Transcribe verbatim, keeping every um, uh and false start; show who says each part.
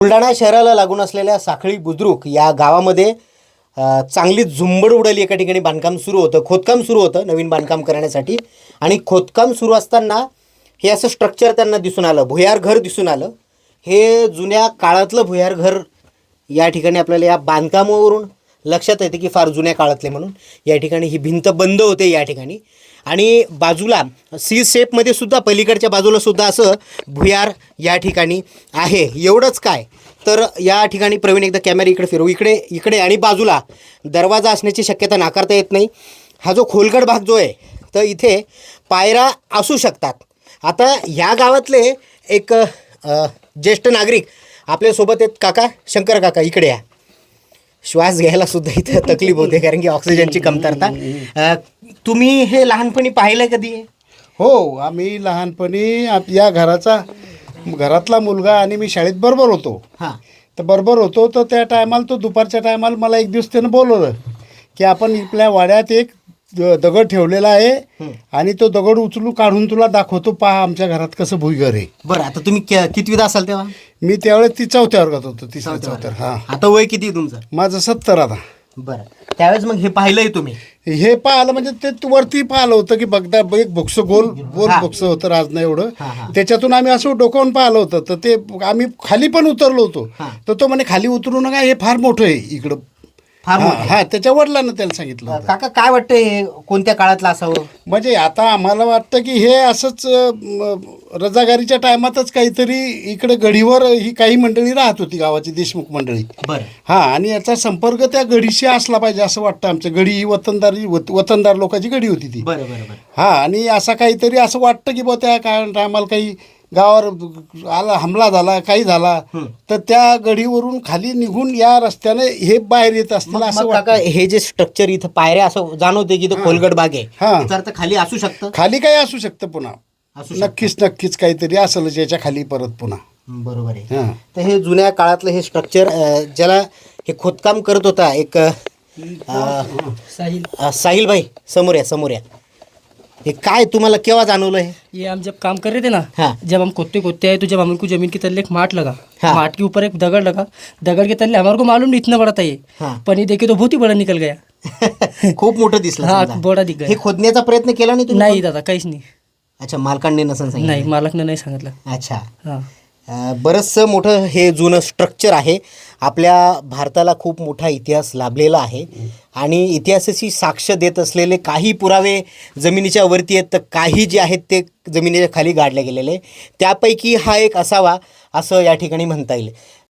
Speaker 1: बुलढाणा शहराला लागून असलेल्या साखळी बुद्रुक या गावामध्ये अ, चांगली झुंबड उडाली. एका ठिकाणी बांधकाम सुरू होतं, खोदकाम सुरू होतं नवीन बांधकाम करण्यासाठी. आणि खोदकाम सुरू असताना हे असं स्ट्रक्चर त्यांना दिसून आलं, भुयार घर दिसून आलं. हे जुन्या काळातलं भुयार घर या ठिकाणी आपल्याला या बांधकामावरून लक्षात येते की फार जुन्या काळातले म्हणून. या ठिकाणी ही भिंत बंद होते या ठिकाणी, आणि बाजूला सी शेपमध्ये सुद्धा पलीकडच्या बाजूला सुद्धा असं भुयार या ठिकाणी आहे. एवढंच काय तर या ठिकाणी प्रवीण एकदा कॅमेरा इकडे फिरवू, इकडे इकडे आणि बाजूला दरवाजा असण्याची शक्यता नाकारता येत नाही. हा जो खोलगट भाग जो आहे तर इथे पायऱ्या असू शकतात. आता ह्या गावातले एक अ, ज्येष्ठ नागरिक आपल्यासोबत आहेत. काका, शंकर काका इकडे या. श्वास घ्यायला सुद्धा इथे तकलीफ होते कारण की ऑक्सिजनची कमतरता. अ, तुम्ही हे लहानपणी पाहिलं कधी?
Speaker 2: हो, आम्ही लहानपणी आप- या घराचा घरातला मुलगा आणि मी शाळेत बरोबर होतो.
Speaker 1: हां
Speaker 2: तर बरोबर होतो तर त्या टायमाला तो दुपारच्या टायमाला मला एक दिवस त्यानं बोलवलं की आपण आपल्या वाड्यात एक द- दगड ठेवलेला आहे आणि तो दगड उचलू काढून तुला दाखवतो, पहा आमच्या घरात कसं भुईघर आहे.
Speaker 1: बरं, आता तुम्ही क- कितवीत असाल तेव्हा?
Speaker 2: मी त्यावेळेस ती चौथ्या वर्गात होतो, तिसऱ्या चौथ्या. हां,
Speaker 1: आता वय किती आहे तुमचं?
Speaker 2: माझं सत्तर आता.
Speaker 1: बरं, त्यावेळेस मग हे पाहिलंय तुम्ही?
Speaker 2: हे पाहिलं म्हणजे ते तू वरती पाहिलं होतं की बघता एक बोक्स गोल गोल
Speaker 1: हा.
Speaker 2: बोक्स होतं राजना एवढं.
Speaker 1: हा, हा.
Speaker 2: त्याच्यातून आम्ही असं डोकावून पाहिलं होतं. तर ते आम्ही खाली पण उतरलो होतो.
Speaker 1: हा.
Speaker 2: तर तो म्हणे खाली उतरू नका, हे फार मोठं आहे इकडं.
Speaker 1: फार
Speaker 2: हा,
Speaker 1: मोठं.
Speaker 2: हा, त्याच्या वडिलांना त्याला सांगितलं होतं.
Speaker 1: काका काय वाटतं हे कोणत्या काळातलं असावं?
Speaker 2: म्हणजे आता आम्हाला वाटतं की हे असंच अं, रजागारीच्या टायमातच काहीतरी इकडे गढीवर ही काही मंडळी राहत होती, गावाची देशमुख मंडळी.
Speaker 1: बरं,
Speaker 2: हा, आणि याचा संपर्क त्या गडीशी असला पाहिजे असं वाटतं. आमच्या गडी ही वतनदारी वत- वतनदार लोकांची गडी होती ती.
Speaker 1: बरं, बरं, बरं.
Speaker 2: हा, आणि असा काहीतरी असं वाटतं की बुवा त्या काय टायमाला काही गावावर आला, हमला झाला, काही झाला तर त्या गडीवरून खाली निघून या रस्त्याने हे बाहेर येत असतील
Speaker 1: मग
Speaker 2: असं
Speaker 1: मग काका
Speaker 2: वाटतं.
Speaker 1: हे जे स्ट्रक्चर इथं पायऱ्या असं जाणवते की तो खोलगट बाग आहे,
Speaker 2: हा.
Speaker 1: याचा अर्थ खाली असू शकतं.
Speaker 2: खाली काही असू शकतं पुन्हा.
Speaker 1: असू शकतं.
Speaker 2: नक्कीच नक्कीच काहीतरी असेल याच्या खाली परत पुन्हा.
Speaker 1: बरोबर आहे.
Speaker 2: हा.
Speaker 1: तर हे जुन्या काळातलं हे स्ट्रक्चर ज्याला हे खोदकाम करत होता एक अ,
Speaker 3: साहिल,
Speaker 1: अ, साहिल भाई, समोर या समोर या. हे काय तुम्हाला केव्हा जाणवलं हे?
Speaker 3: ये हम जब काम कर रहे थे ना,
Speaker 1: हाँ।
Speaker 3: जब हम खोदते खोदते आए तो जब हमको जमीन के तले एक माट लगा,
Speaker 1: हाँ।
Speaker 3: माट के ऊपर एक दगड़ लगा, दगड़ के तले हमारे को मालूम नहीं इतना बड़ा था ये,
Speaker 1: हाँ।
Speaker 3: पर ये देखे तो बहुत ही बड़ा निकल गया.
Speaker 1: खूप मोठं दिसलं
Speaker 3: हाँ,
Speaker 1: समजा.
Speaker 3: बड़ा दिख
Speaker 1: हे
Speaker 3: गया.
Speaker 1: खोदण्याचा प्रयत्न केला नाही तुम्ही?
Speaker 3: नाही दादा, काहीच नाही.
Speaker 1: अच्छा, मालकांनी नसन सांगितलं.
Speaker 3: नाही, मालकने नाही सांगितलं.
Speaker 1: अच्छा.
Speaker 3: हां.
Speaker 1: अ, बरंचसं मोठं हे जुनं स्ट्रक्चर आहे. आपल्या भारताला खूप मोठा इतिहास लाभलेला आहे आणि इतिहासाची साक्ष देत असलेले काही पुरावे जमिनीच्या वरती आहेत, तर काही जे आहेत ते जमिनीच्या खाली गाडले गेलेले. त्यापैकी हा एक असावा असं या ठिकाणी म्हणता येईल.